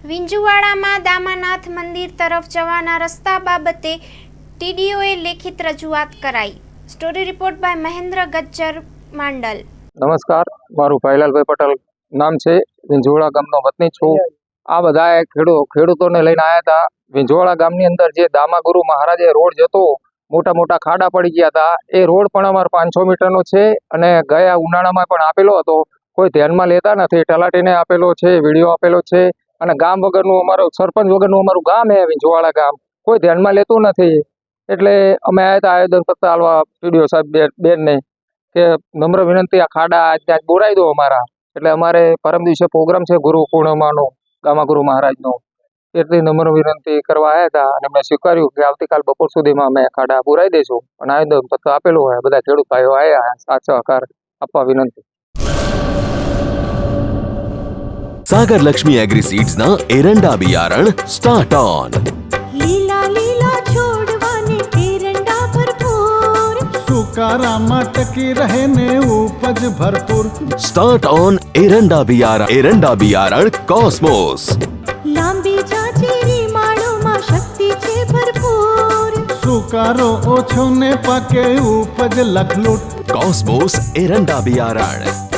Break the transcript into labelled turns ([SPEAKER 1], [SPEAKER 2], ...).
[SPEAKER 1] વિંજુવાડામાં દામાનાથ મંદિર તરફ જવાના રસ્તા બાબતે ટીડીઓએ લેખિત રજૂઆત કરાઈ। Story report by Mahendra Gajjar Mandal.
[SPEAKER 2] નમસ્કાર, મારું ભાઈલાલભાઈ પટેલ નામ છે। વિંજુવાડા ગામનો વતની છું। આ બધા ખેડૂતોને લઈને આવ્યા હતા। વિંજુવાડા ગામની અંદર જે દામાગુરુ મહારાજે રોડ જતો, મોટા મોટા ખાડા પડી ગયા હતા। એ રોડ પણ અમારો 500 મીટરનો છે અને ગયા ઉનાળામાં પણ આપેલો હતો, કોઈ ધ્યાનમાં લેતા નથી। તલાટીને આપેલો છે, વિડીયો આપેલો છે અને ગામ વગરનું અમારું સરપંચ વગરનું અમારું ગામ છે વિંજુવાડા ગામ, કોઈ ધ્યાનમાં લેતું નથી। એટલે અમે આવ્યા હતા આવેદન પત્ર આપવા પીડીઓ સાહેબ બેનને કે નમ્ર વિનંતી, આ ખાડા ત્યાં બોરાઈ દો અમારા। એટલે અમારે પરમ દિવસે પ્રોગ્રામ છે ગુરુ પૂર્ણિમાનો દામાગુરુ મહારાજનો, એટલી નમ્ર વિનંતી કરવા આવ્યા હતા અને એમણે સ્વીકાર્યું કે આવતીકાલ બપોર સુધીમાં અમે ખાડા પુરાઈ દઈશું અને આવેદન પત્ર આપેલું હોય। બધા ખેડૂત ભાઈઓ આવ્યા, સાથ સહકાર આપવા વિનંતી।
[SPEAKER 3] सागर लक्ष्मी एग्रीसीड्स ना एरंडा बियारण स्टार्ट ऑन।
[SPEAKER 4] લીલા લીલા છોડવાને એરંડા ભરપૂર,
[SPEAKER 5] સુકારામાં ટકી રહે ને ઉપજ ભરપૂર।
[SPEAKER 3] स्टार्ट ऑन एरंडा बियारण कॉस्मोस।
[SPEAKER 4] લાંબી જાચેરી માળોમાં શક્તિ છે ભરપૂર,
[SPEAKER 5] સુકારો ઓછો ને પાકે ઉપજ લખલૂટ।
[SPEAKER 3] कॉस्मोस एरंडा बियारण।